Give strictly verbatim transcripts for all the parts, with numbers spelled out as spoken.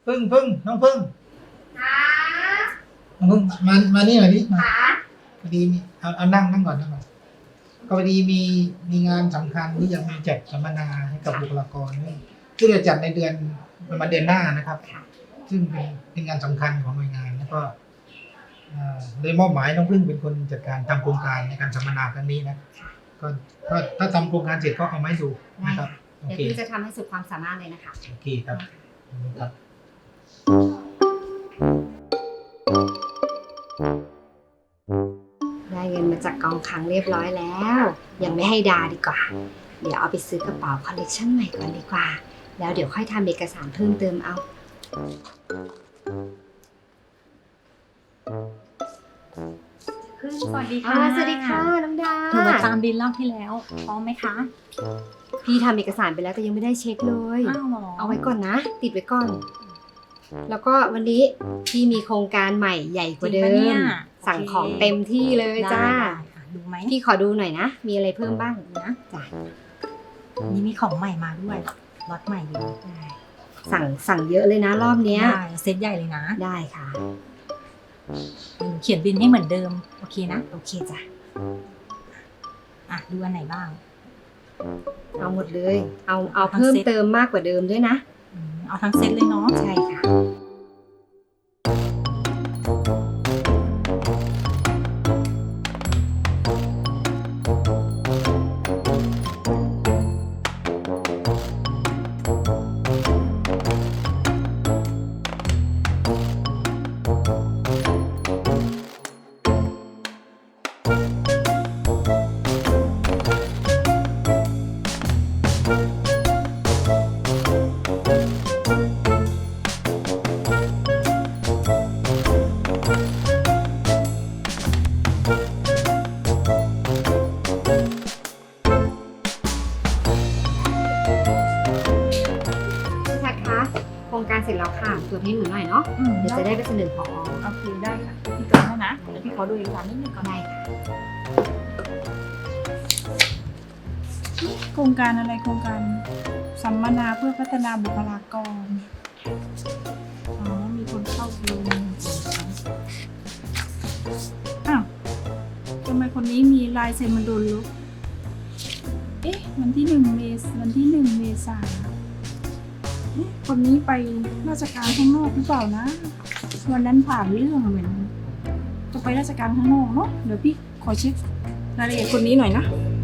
พึ่งพึ่งน้องพึ่งค่ะน้องพึ่งมามานี่หน่อยดิมาค่ะพอดีมีเอาเอานั่งนั่งก่อนนั่งก่อนก็พอดีมีมีงานสำคัญที่จะมีแจกสัมมนาให้กับบุคลากรซึ่งจะจัดในเดือนประมาณเดือนหน้านะครับ ซึ่งเป็นเป็นงานสำคัญของหน่วยงานแล้วก็เอ่อโดยมอบหมายน้องพึ่งเป็นคนจัดการทำโครงการในการสัมมนาครั้งนี้นะก็ก็ถ้าทำโครงการเสร็จก็เอามาให้ดูนะครับโอเดี๋ยวเคพี่จะทำให้สุดความสามารถเลยนะคะโอเคครับขอบคุณครับได้เงินมาจากกองคลังเรียบร้อยแล้ว ยังไม่ให้ดาดีกว่า เดี๋ยวเอาไปซื้อกระเป๋าคอลเลกชันใหม่ก่อนดีกว่า แล้วเดี๋ยวค่อยทำเอกสารเพิ่มเติมเอาพึ่งสวัสดีอ่าค่ะสวัสดีค่ะน้องดาหนูมาตามบินรอบที่แล้วพร้อมไหมคะพี่ทำเอกสารไปแล้วแต่ยังไม่ได้เช็คเลยอ้าวเหรอเอาไว้ก่อนนะ ติดไว้ก่อน แล้วก็วันนี้พี่มีโครงการใหม่ใหญ่กว่าเดิจริงปะเนี่ยม สั่งของเต็มที่เลยจ้าได้ค่ะดูไหมพี่ขอดูหน่อยนะ มีอะไรเพิ่มบ้างนะจ้ะนี่มีของใหม่มาด้วยล็อตใหม่เลยสั่งสั่งเยอะเลยนะรอบเนี้ยได้เซตใหญ่เลยนะได้ค่ะหนูเขียนบินให้เหมือนเดิมโอเคนะโอเคจ้ะอ่ะดูอันไหนบ้างเอาหมดเลย เอาเอาเพิ่มเติมมากกว่าเดิมด้วยนะอืมเอาทั้งเซตเลยเนาะใช่ค่ะ พี่ชัดคะ โครงการเสร็จแล้วค่ะ ตรวจให้หนูหน่อยเนาะอืมเดี๋ยวจะได้ไปเสนอพอโอเคได้ค่ะพี่ตัวให้นะเดี๋ยวพี่ขอดูเอกสารนิดนึงก่อนได้ค่ะโครงการอะไรโครงการสัมมนาเพื่อพัฒนาบุคลากร อ๋อ มีคนเข้าดูอ้าวทำไมคนนี้มีลายเซ็นมันโดนลบ เอ๊ะ วันที่หนึ่งเมษวันที่หนึ่งเมษาเอ๊ะคนนี้ไปราชการข้างนอกหรือเปล่านะ วันนั้นผ่านเรื่องเหมือนจะไปราชการข้างนอกเนาะ เดี๋ยวพี่ขอเช็ครายละเอียดคนนี้หน่อยนะ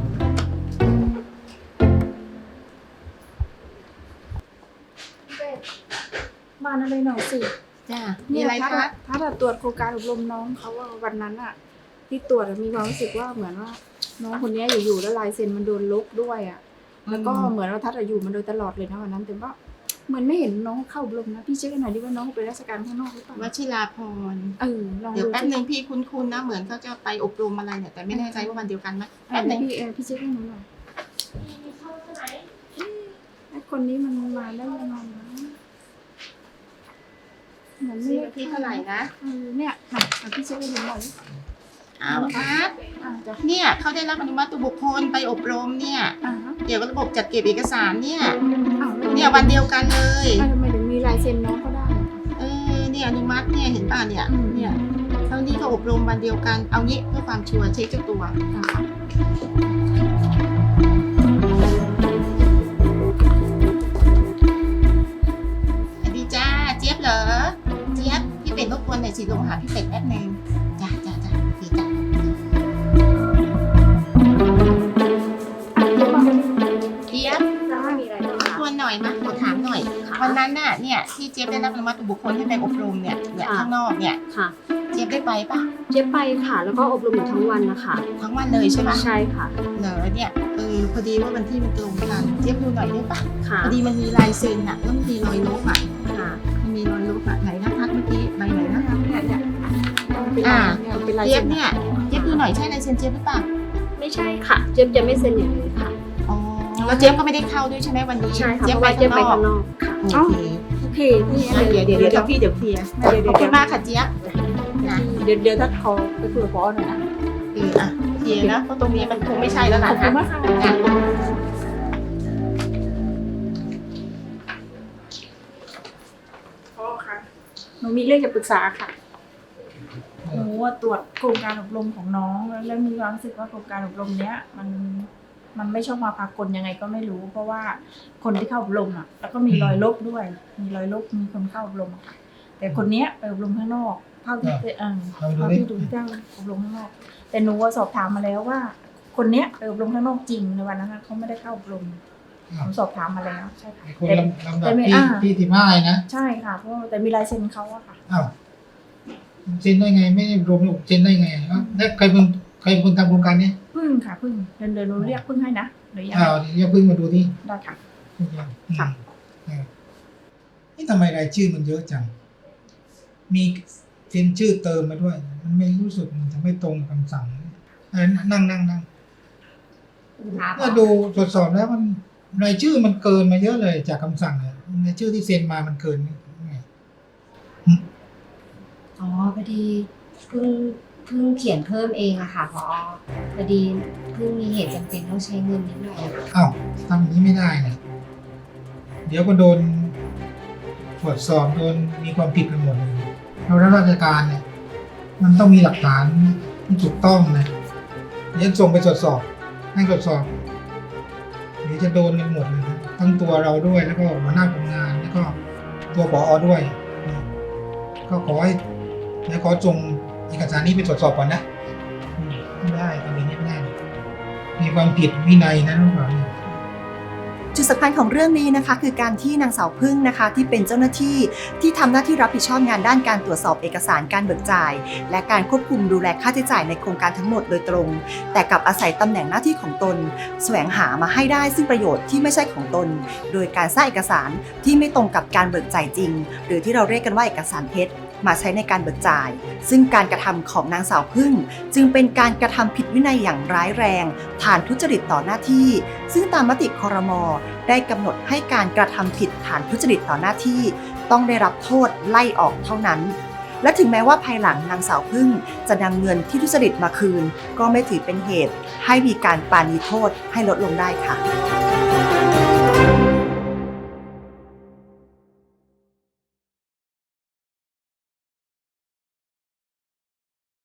มาอะไรหน่อยสิจ้ามีอะไรคะถ้าแบบตรวจโครงการอบรมน้องเขาว่าวันนั้นอะที่ตรวจอะมีความรู้สึกว่าเหมือนว่า น้องคนนี้อยู่ๆแล้วลายเซ็นมันโดนลบด้วยอะแล้วก็เหมือนว่าทัดอะอยู่มันโดยตลอดเลยนะวันนั้นแต่ว่าเหมือนไม่เห็นน้องเข้าอบรมนะพี่เช็คหน่อยดิว่าน้องไปราชการข้างนอกหรือเปล่าวชิราพรเออลองเดี๋ยวดูแป๊บนึงพี่คุ้นๆนะเหมือนเขาจะไปอบรมอะไรเนี่ยแต่ไม่แน่ใจว่าวันเดียวกันไหมเอแป๊บอนึงพี่เออพี่เช็คให้หนูหน่อยไอ้คนนี้มันมาได้ยังไงนะเหมือนไม่ซื้อที่เท่าไหร่นะเออเนี่ยค่ะเอาพี่เช็คให้หนูหน่อยอ้าวอาร์ตอ่าจะเนี่ยเขาได้รับอนุมัติตัวบุคคลไปอบรมเนี่ยอ่าฮะเกี่ยวกับระบบจัดเก็บเอกสารเนี่ยอ้าวแล้วเนี่ยวันเดียวกันเลยทำไมถึงมีลายเซ็นน้องก็ได้เออเนี่ยอนุมัติเนี่ยเห็นป่ะเนี่ยอืมเนี่ยเท่านี้ก็อบรมวันเดียวกันเอางี้เพื่อความชัวร์เช็คเจ้าตัวอ่าสวัสดีจ้าเจี๊ยบเหรอเจี๊ยบพี่เป็ดรบกวนหน่อยสิลงหาพี่เป็ดแป๊บนึงจ้าจ้าจ้าโอเคจ้าเจี๊ยบจ้ามีอะไรบ้างรบกวนหน่อยมาขอถามหน่อย วันนั้นน่ะเนี่ยที่เจี๊ยบได้รับอนุมัติตัวบุคคลให้ไปอบรมเนี่ยเนี่ยข้างนอกเนี่ยค่ะเจี๊ยบได้ไปปะเจ๊ไปค่ะ แล้วก็อบรมอยู่ทั้งวันนะคะทั้งวันเลยใช่ปะใช่ค่ะเหรอเนี่ยเออพอดีว่าวันที่มันตรงกันเจี๊ยบดูหน่อยได้ปะค่ะพอดีมันมีลายเซ็นอ่ะแล้วมันมีรอยลบอ่ะค่ะมันมีรอยลบอ่ะไหนนะพัดเมื่อกี้ใบไหนนะเนี่ยเนี่ยเป็นอ่าลายเนี่ยเป็นลายเจี๊ยเซ็บนเนี่ยเจี๊ยบดูหน่อยใช่ลายเซ็นเจี๊ยบหรือเปล่าไม่ใช่ค่ะ เจ๊จะไม่เซ็นอย่างนี้ค่ะอ๋อแล้วเจี๊ยบก็ไม่ได้เข้าด้วยใช่ไหมวันนี้ใช่ค่ะเจี๊ยเพบราะไปว่าเจ๊ไปข้าข้าง งนนอกอกค่ะโอเคโอเคนี่เดี๋ยวเดี๋ยวเดี๋ยวพี่เดี๋ยวเคลียร์เดี๋ยวขเดี๋อย บวคุณมากค่ะเจี๊ยบนะเดี๋ยวเดี๋ยวถ้าขอไปคุยกับพอหน่อยนะเอออ่ะเคลียร์นะเพราะตรงนี้มันคงไม่ใช่แล้วขล่ะอบคุนะณมากค่ะอ่ะพอหนูมีเรื่องจะปรึกษาค่ะหนูว่าตรวจโครงการอบรมของน้องแล้วมีความรู้สึกว่าโครงการอบรมเนี้ยมันมันไม่ชอบมาพากลยังไงก็ไม่รู้ เพราะว่าคนที่เข้าอบรมอ่ะแล้วก็มีรอยลบด้วย มีรอยลบมีคนเข้าอบรมอะค่ะ แต่คนเนี้ยไปอบรมข้างนอกเท่าที่เออเท่าที่ดูที่เจ้าอบรมข้างนอก แต่หนูว่าสอบถามมาแล้วว่า คนเนี้ยไปอบรมข้างนอกจริงในวันนั้นนะเขาไม่ได้เข้าอบรมหนูสอบถามมาแล้วใช่ค่ะไอ้คนลำลำดับแต่ไม่ที่อ่าที่สิบห้านะใช่ค่ะเพราะแต่มีลายเซ็นเขาอะค่ะอ้าวเซ็นได้ไงไม่ได้รวมเซ็นได้ไงอ้าวแล้วใครเป็นใครเป็นคนทำโครงการนี้พึ่งค่ะพึ่งเดินเดินหนูเรียกพึ่งให้นะหรือยังอ้าวเดี๋ยวเพิ่งมาดูที่ได้ค่ะค่ะนี่ทำไมรายชื่อมันเยอะจัง มีเซ็นชื่อเติมมาด้วย มันไม่รู้สึกมันจะไม่ตรงคำสั่งเออนั่งนั่งนั่งครับถ้าดูตรวจสอบแล้วมันรายชื่อมันเกินมาเยอะเลยจากคำสั่งเลยรายชื่อที่เซ็นมามันเกินไงอ๋อพอดีเพิ่งเพิ่งเขียนเพิ่มเองอะค่ะพอพอดีเพิ่งมีเหตุจำเป็นต้องใช้เงินนิดหน่อยอะค่ะอ้าวทำอย่างนี้ไม่ได้นะเดี๋ยวก็โดนตรวจสอบโดนมีความผิดกันหมดเลยเรารับราชการเนี่ย มันต้องมีหลักฐานที่ถูกต้องนะเดี๋ยวส่งไปตรวจสอบ ให้ตรวจสอบเดี๋ยวจะโดนกันหมดเลยนะทั้งตัวเราด้วยแล้วก็หัวหน้าคนงานแล้วก็ตัวผอด้วยนะก็ขอให้เดี๋ยวขอส่งเอกสารนี้ไปตรวจสอบก่อนนะอืมไม่ได้ทำอย่างนี้ไม่ได้มีความผิดวินัยนะน้องหมาเนี่ยจุดสำคัญของเรื่องนี้นะคะคือการที่นางสาวพึ่งนะคะที่เป็นเจ้าหน้าที่ที่ทำหน้าที่รับผิดชอบงานด้านการตรวจสอบเอกสารการเบิกจ่าย และการควบคุมดูแลค่าใช้จ่ายในโครงการทั้งหมดโดยตรง แต่กลับอาศัยตำแหน่งหน้าที่ของตนแสวงหามาให้ได้ซึ่งประโยชน์ที่ไม่ใช่ของตน โดยการสร้างเอกสารที่ไม่ตรงกับการเบิกจ่ายจริง หรือที่เราเรียกกันว่าเอกสารเท็จมาใช้ในการเบิกจ่าย ซึ่งการกระทำของนางสาวพึ่งจึงเป็นการกระทำผิดวินัยอย่างร้ายแรงฐานทุจริตต่อหน้าที่ ซึ่งตามมติครม.ได้กำหนดให้การกระทำผิดฐานทุจริตต่อหน้าที่ต้องได้รับโทษไล่ออกเท่านั้น และถึงแม้ว่าภายหลังนางสาวพึ่งจะนำเงินที่ทุจริตมาคืน ก็ไม่ถือเป็นเหตุให้มีการปราณีโทษให้ลดลงได้ค่ะ